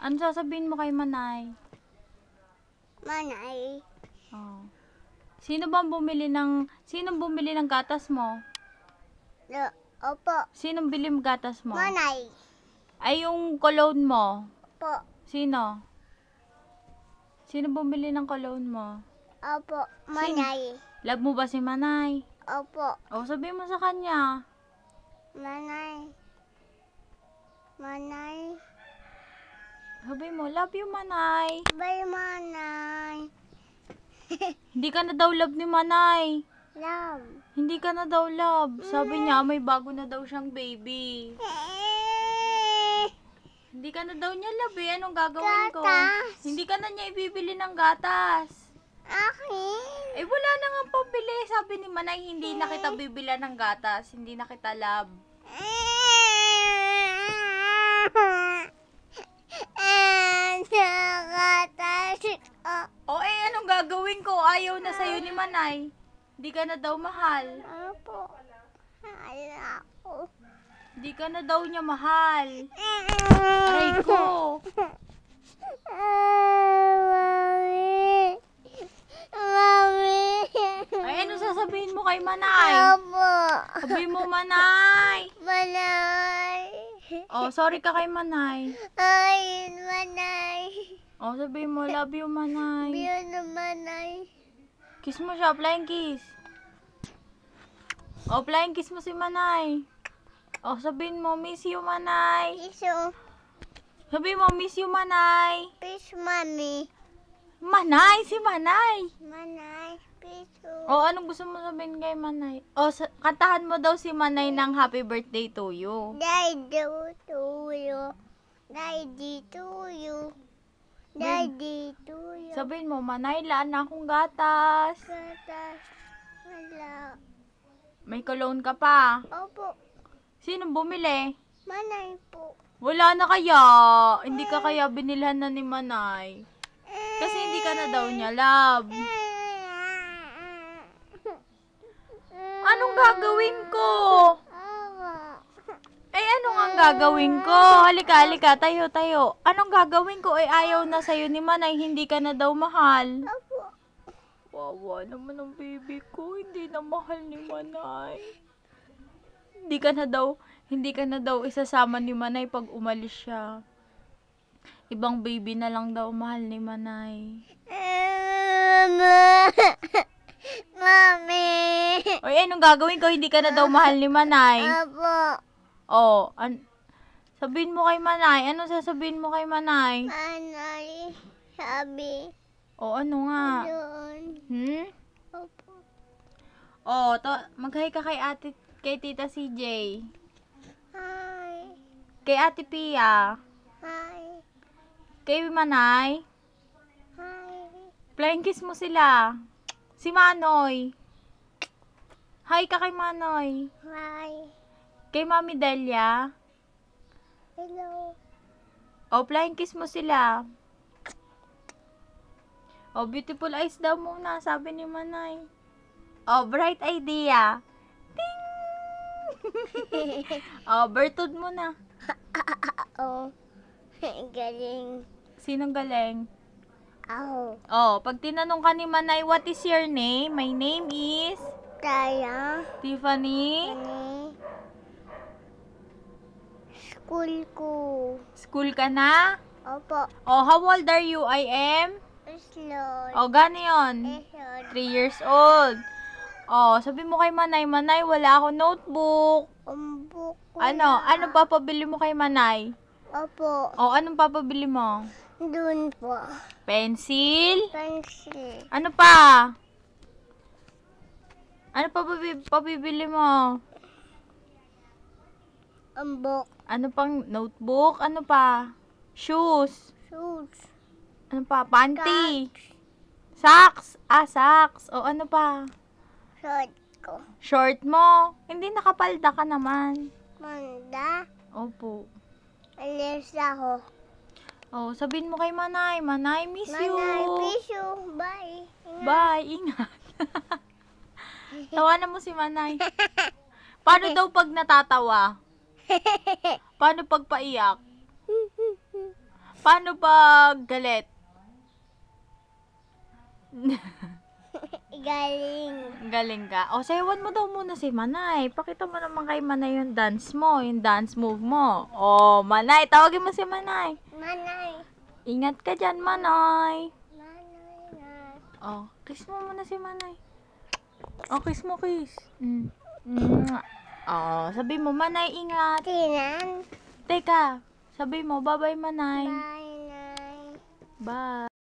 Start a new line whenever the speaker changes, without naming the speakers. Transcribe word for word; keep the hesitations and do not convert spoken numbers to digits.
Ano sasabihin mo kay Manay?
Manay.
Oh. Sino bang bumili ng... Sino bumili ng gatas mo?
Lo, opo.
Sinong bili ng gatas mo?
Manay.
Ay, yung cologne mo.
Opo.
Sino? Sino bumili ng cologne mo?
Opo. Manay.
Love mo ba si Manay?
Opo.
O, sabihin mo sa kanya.
Manay. Manay.
Sabihin mo, love you, Manay.
Bye, Manay.
Hindi ka na daw love ni Manay.
Love.
Hindi ka na daw love. Sabi niya, may bago na daw siyang baby. Hindi ka na daw niya love eh. Anong gagawin ko?
Gatas.
Hindi ka na niya ibibili ng gatas.
Akin.
Eh, wala na nga pabili. Sabi ni Manay, hindi na kita bibila ng gatas. Hindi na kita love. O eh, anong gagawin ko? Ayaw na sa'yo ni Manay. Hindi ka na daw mahal.
Opo. Mahal ako.
Hindi ka na daw niya mahal. Aray ko.
Mami. Mami.
Ay, ano sasabihin mo kay Manay?
Opo.
Sabihin mo, Manay.
Manay.
Oh, sorry ka kay Manay.
Ay, Manay.
Oh, sabihin mo, love you, Manay.
Biyo na Manay.
Kiss mo siya, flying kiss. Oh, flying kiss mo si Manay. Oh, sabihin mo, miss you, Manay.
Iso.
Sabihin mo, miss you, Manay.
Peace, Mami.
Manay, si Manay.
Manay. Peace.
Oh, anong gusto mo sabihin kay Manay? Oh, sa- kantahan mo daw si Manay ng happy birthday to you.
Daddy to you. Daddy to you. Daddy to you.
Sabihin mo, Manay, laan na akong gatas.
Gatas. Wala.
May cologne ka pa.
Opo.
Sino bumili?
Manay po.
Wala na kaya. Hindi ka kaya binilhan na ni Manay. Kasi hindi ka na daw niya love. Anong gagawin ko? Eh, ano nga gagawin ko? Halika, halika. Tayo, tayo. Anong gagawin ko? Eh, ayaw na sa'yo ni Manay. Hindi ka na daw mahal.
Opo.
Wawa naman ang baby ko. Hindi na mahal ni Manay. Hindi ka na daw, hindi ka na daw isasama ni Manay pag umalis siya. Ibang baby na lang daw mahal ni Manay.
Mami.
Oy, anong gagawin ko? Hindi ka na daw mahal ni Manay.
Opo.
Oh, an sabihin mo kay Manay. Ano sasabihin mo kay Manay?
Manay. Sabi.
Oh, ano nga?
Doon.
Hmm?
Opo.
Oh, to, mag-hi ka kay ate, kay Tita C J.
Hi.
Kay Ate Pia.
Hi.
Kay Manay.
Hi.
Flying kiss mo sila. Si Manoy. Hi ka kay Manoy.
Hi.
Kay Mami Delia.
Hello.
Oh, flying kiss mo sila. Oh, beautiful eyes daw muna, sabi ni Manay. Oh, bright idea. Ting! Oh, birthday mo na.
Oh. Galing.
Sinong galing?
Ako.
Oh, pag tinanong ka ni Manay, what is your name? My name is
Taya.
Tiffany.
Ani. School ko.
School ka na?
Opo.
Oh, how old are you? I am?
Slow.
Oh, gano yun?
Esod.
three years old. Oh, sabi mo kay Manay, Manay, wala ako notebook.
Umbok ko
Ano?
na.
Ano papabili mo kay Manay?
Opo.
Oh, anong papabili mo?
Doon po.
Pencil?
Pencil.
Ano pa? Ano pa pabi- papibili mo?
Umbok.
Ano pang notebook? Ano pa? Shoes?
Shoes.
Ano pa? Panty? Socks? Ah, socks. O ano pa?
Short ko.
Short mo? Hindi nakapalda ka naman.
Manda.
Opo.
Alis ako.
Oh, sabihin mo kay Manay, Manay, miss you.
Manay, miss you. Bye. Ingat.
Bye, ingat. Tawanan mo si Manay. Paano daw pag natatawa? Paano pag paiyak? Paano pag galit?
Galing.
Galing ka. O, sayawan mo daw muna si Manay. Pakita mo naman kay Manay yung dance mo, yung dance move mo. O, Manay, tawagin mo si Manay.
Manay.
Ingat ka dyan, Manay.
Manay na.
O, kiss mo muna si Manay. O, kiss mo, kiss. Mm. Mwah. O, sabi mo, Manay, ingat.
Tinan.
Teka, sabi mo, bye-bye, Manay.
Bye, Nay.
Bye.